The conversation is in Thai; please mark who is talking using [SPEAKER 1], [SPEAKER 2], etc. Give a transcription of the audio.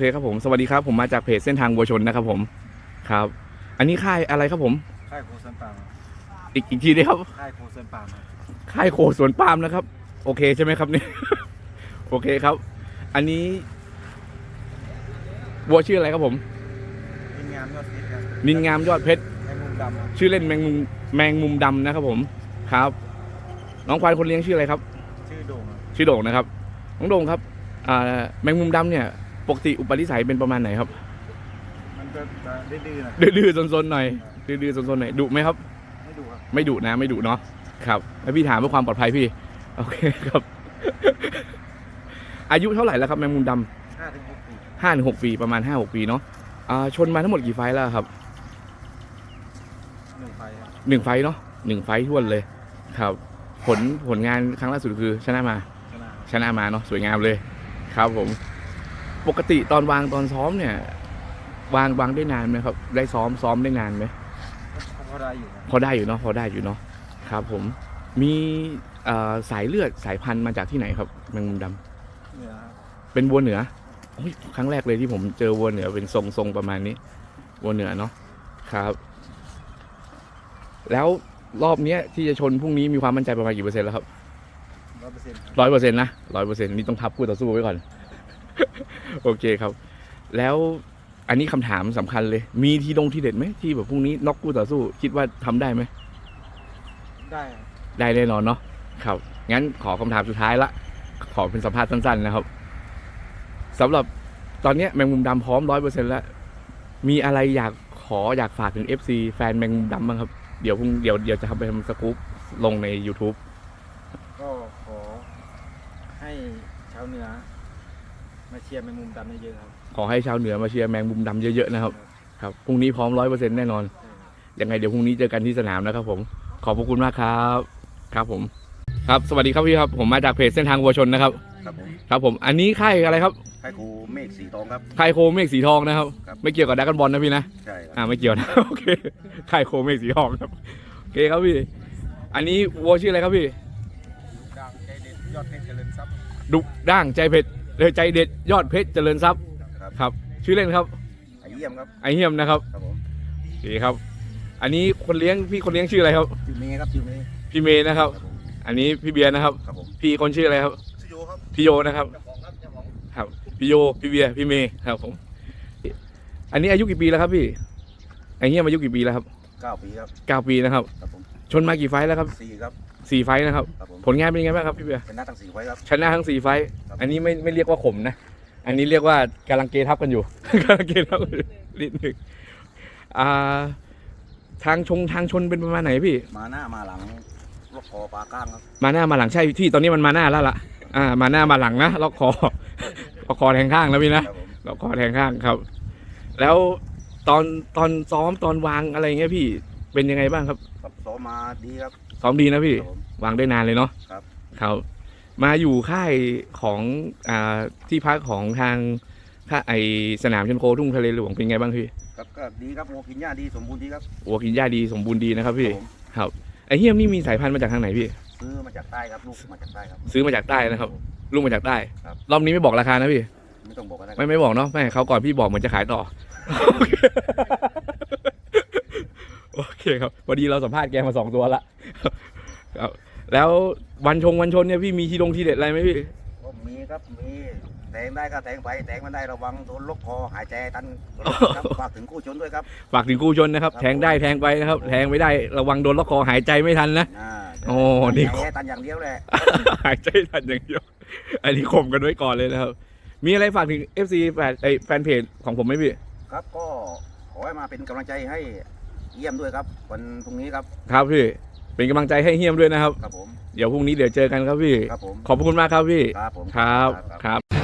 [SPEAKER 1] เคครับผมสวัสดีครับผมมาจากเพจเส้นทางวัวชนนะครับผมครับอันนี้ค่ายอะไรครับผม
[SPEAKER 2] ค่ายโคสวนปาล์ม
[SPEAKER 1] อีกทีได้ครับ
[SPEAKER 2] ค่ายโคสวนปาล์ม
[SPEAKER 1] ค่ายโคสวนปาล์มนะครับโอเคใช่ไหมครับเนี่ย โอเคครับอันนี้วัวชื่ออะไรครับผม
[SPEAKER 2] นินงามยอดเพชรครับ
[SPEAKER 1] นินงามยอดเพชร
[SPEAKER 2] แมงมุมดำ
[SPEAKER 1] ชื่อเล่นแมงมุมดำนะครับผมครับน้องควายคนเลี้ยงชื่ออะไรครับ
[SPEAKER 2] ชื่อโด่ง
[SPEAKER 1] ชื่อโด่งนะครับน้องโด่งครับแมงมุมดำเนี่ยปกติอุปนิสัยเป็นประมาณไหนครับ
[SPEAKER 2] มันก็ดื้อๆนะ
[SPEAKER 1] ดื้อๆซนๆหน่อยดื้อๆซนๆหน่อยดุไหมครับ
[SPEAKER 2] ไม่ดุครับ
[SPEAKER 1] ไม่ดุนะไม่ดุเนาะครับแล้วพี่ถามเพื่อความปลอดภัยพี่โอเคครับ อายุเท่าไหร่แล้วครับแมงมุมด
[SPEAKER 2] ำ5 ถึง 6 ปี
[SPEAKER 1] 5 ถึง 6 ปีประมาณ5-6 ปีเนาะชนมาทั้งหมดกี่ไฟล์แล้วครับ
[SPEAKER 2] 1 ไฟครับ
[SPEAKER 1] 1 ไฟล์เนาะ1 ไฟล์ท้วนเลยครับผลงานครั้งล่าสุดคือชนะมาเนาะสวยงามเลยครับผมปกติตอนวางตอนซ้อมเนี่ยวางได้นานไหมครับได้ซ้อมได้นานไหม
[SPEAKER 2] พอได้อยู่
[SPEAKER 1] พอได้อยู่เนาะครับผมมีสายเลือดสายพันธุ์มาจากที่ไหนครับแมงมุมดำ
[SPEAKER 2] เหนือ
[SPEAKER 1] เป็นวัวเหนือครั้งแรกเลยที่ผมเจอวัวเหนือเป็นทรงประมาณนี้วัวเหนือเนาะครับแล้วรอบนี้ที่จะชนพรุ่งนี้มีความมั่นใจประมาณกี่เปอร์เซ็นต์แล้วครับ100%นะ100%นี่ต้องทับคู่ต่อสู้ไว้ก่อน โอเคครับ แล้วอันนี้คำถามสำคัญเลยมีทีเด็ดไหมที่แบบพรุ่งนี้น็อกคู่ต่อสู้คิดว่าทำได้ไหมได้แน่นอนเนาะครับงั้นขอคำถามสุดท้ายละขอเป็นสัมภาษณ์สั้นๆนะครับสำหรับตอนนี้แมงมุมดำพร้อม100%แล้วมีอะไรอยากฝากถึง FC แฟนแมงมุมดำบ้างครับเดี๋ยวจะทำไปทำสกู๊ปลงใน YouTube
[SPEAKER 2] ก็ขอให้ชาวเหนือมาเชียร์แมงมุมดำเยอะๆครับ
[SPEAKER 1] ขอให้ชาวเหนือมาเชียร์แมงมุมดำเยอะๆนะครับครับพรุ่งนี้พร้อม100%แน่นอนยังไงเดี๋ยวพรุ่งนี้เจอกันที่สนามนะครับผมขอบพระคุณมากครับครับผมครับสวัสดีครับพี่ครับผมมาจากเพจเส้นทางวัวชนนะครับครับผมอันนี้ค่ายอะไรครับ
[SPEAKER 2] ค่ายโคเมฆสีทองครับ
[SPEAKER 1] ค่ายโคเมฆสีทองนะครับไม่เกี่ยวกับดราก้อนบอลนะพี่นะ
[SPEAKER 2] ใช่ครับ
[SPEAKER 1] ไม่เกี่ยวนะโอเคค่ายโคเมฆสีทองครับโอเคครับพี่อันนี้วัวชื่ออะไรครับพี่
[SPEAKER 2] ดังใจเด็ดยอดเพชรเจริญทรัพย์
[SPEAKER 1] ดุด่างใจเด็ดยอดเพชรเจริญทรัพย์ครับชื่อเล่นครับ
[SPEAKER 2] ไอเยี่ยมครับ
[SPEAKER 1] ไอเยี่ยมนะครับโอเคครับอันนี้คนเลี้ยงชื่ออะไรครับ
[SPEAKER 2] ชื่อเมย์ครับ
[SPEAKER 1] พี่เมย์นะครับอันนี้พี่เบียร์นะครับพี่คนชื่ออะไรครับพี่โยนะครับครับพี่โยพี่เบียร์พี่เมย์ครับผมอันนี้อายุกี่ปีแล้วครับพี่ไอเยี่ยมอายุกี่ปีแล้วครับ
[SPEAKER 2] 9 ปีครับ
[SPEAKER 1] 9 ปีนะครับชนมากี่ไฟแล้วครับ
[SPEAKER 2] 4 ครับ
[SPEAKER 1] 4 ไฟนะครับผลงานเป็นยังไงบ้างครับพี่เบียร์
[SPEAKER 2] ชนะทั้ง4 ไฟครับ
[SPEAKER 1] ชนะทั้ง4 ไฟอันนี้ไม่เรียกว่าข่มนะอันนี้เรียกว่ากำลังเกทับกันอยู่ กำลังเกทับนิดหนึ่งทางชนเป็นประมาณไหนพี่
[SPEAKER 2] มาหน้ามาหลังล็อกคอปลาก้างครับ
[SPEAKER 1] มาหน้ามาหลังใช่ที่ตอนนี้มันมาหน้าแล้วล่ะมาหน้ามาหลังนะล็อกคอ ล็อกคอแทงข้างแล้วพี่นะล็อกคอแทงข้างครับแล้วตอนซ้อมตอนวางอะไรเงี้ยพี่เป็นยังไงบ้างครับ
[SPEAKER 2] ซ้อมมาดีครับ
[SPEAKER 1] ซ้อมดีนะพี่วางได้นานเลยเนาะครับมาอยู่ค่ายของที่พักของทางไอสนามชนโคทุ่งทะเลหลวงเป็นไงบ้างพี่
[SPEAKER 2] ก็ดีครับวัวกินหญ้าดีสมบูรณ์ดีครับ
[SPEAKER 1] วัวกินหญ้าดีสมบูรณ์ดีนะครับพี่ครับไอเฮียมนี่มีสายพันธุ์มาจากทางไหนพี่
[SPEAKER 2] ซื้อมาจากใต้ครับลูกมาจากใต้ครับ
[SPEAKER 1] ซื้อมาจากใต้นะครับลูกมาจากใต้รอบนี้ไม่บอกราคานะพี่
[SPEAKER 2] ไม่ต้องบอกก็ได้
[SPEAKER 1] ไม่บอกเนาะไม่เขาก่อนพี่บอกเหมือนจะขายต่อโอเคครับพอดีเราสัมภาษณ์แกมา2 ตัวละครับแล้ววันชนเนี่ยพี่มีทีเด็ดอะไรไหมพี่
[SPEAKER 2] ก็มีครับมีแทงได้ก็แทงไปแทงไม่ได้ระวังโดนล็อกคอหายใจตันฝากถึงคู่ชนด้วยครับ
[SPEAKER 1] ฝากถึงคู่ชนนะครับแทงได้แทงไปนะครับแทงไม่ได้ระวังโดนล็อกคอหายใจไม่ทันนะ
[SPEAKER 2] โอ้นี่ตันอย่างเดียวเลย
[SPEAKER 1] หายใจทันอย่างเดียวอันนี้ข่มกันไว้ก่อนเลยนะครับมีอะไรฝากถึง FC แฟนเพจของผมไหมพี่
[SPEAKER 2] ครับก็ขอให้มาเป็นกำลังใจให้เยี่ยมด้วยครับวันพรุ่งนี้ครับ
[SPEAKER 1] ครับพี่เป็นกำลังใจให้เฮียมด้วยนะครับ
[SPEAKER 2] ครับผม
[SPEAKER 1] เดี๋ยวพรุ่งนี้เจอกันครับพี่
[SPEAKER 2] ครับผม
[SPEAKER 1] ขอบคุณมากครับพี่
[SPEAKER 2] ครับผม
[SPEAKER 1] ครับ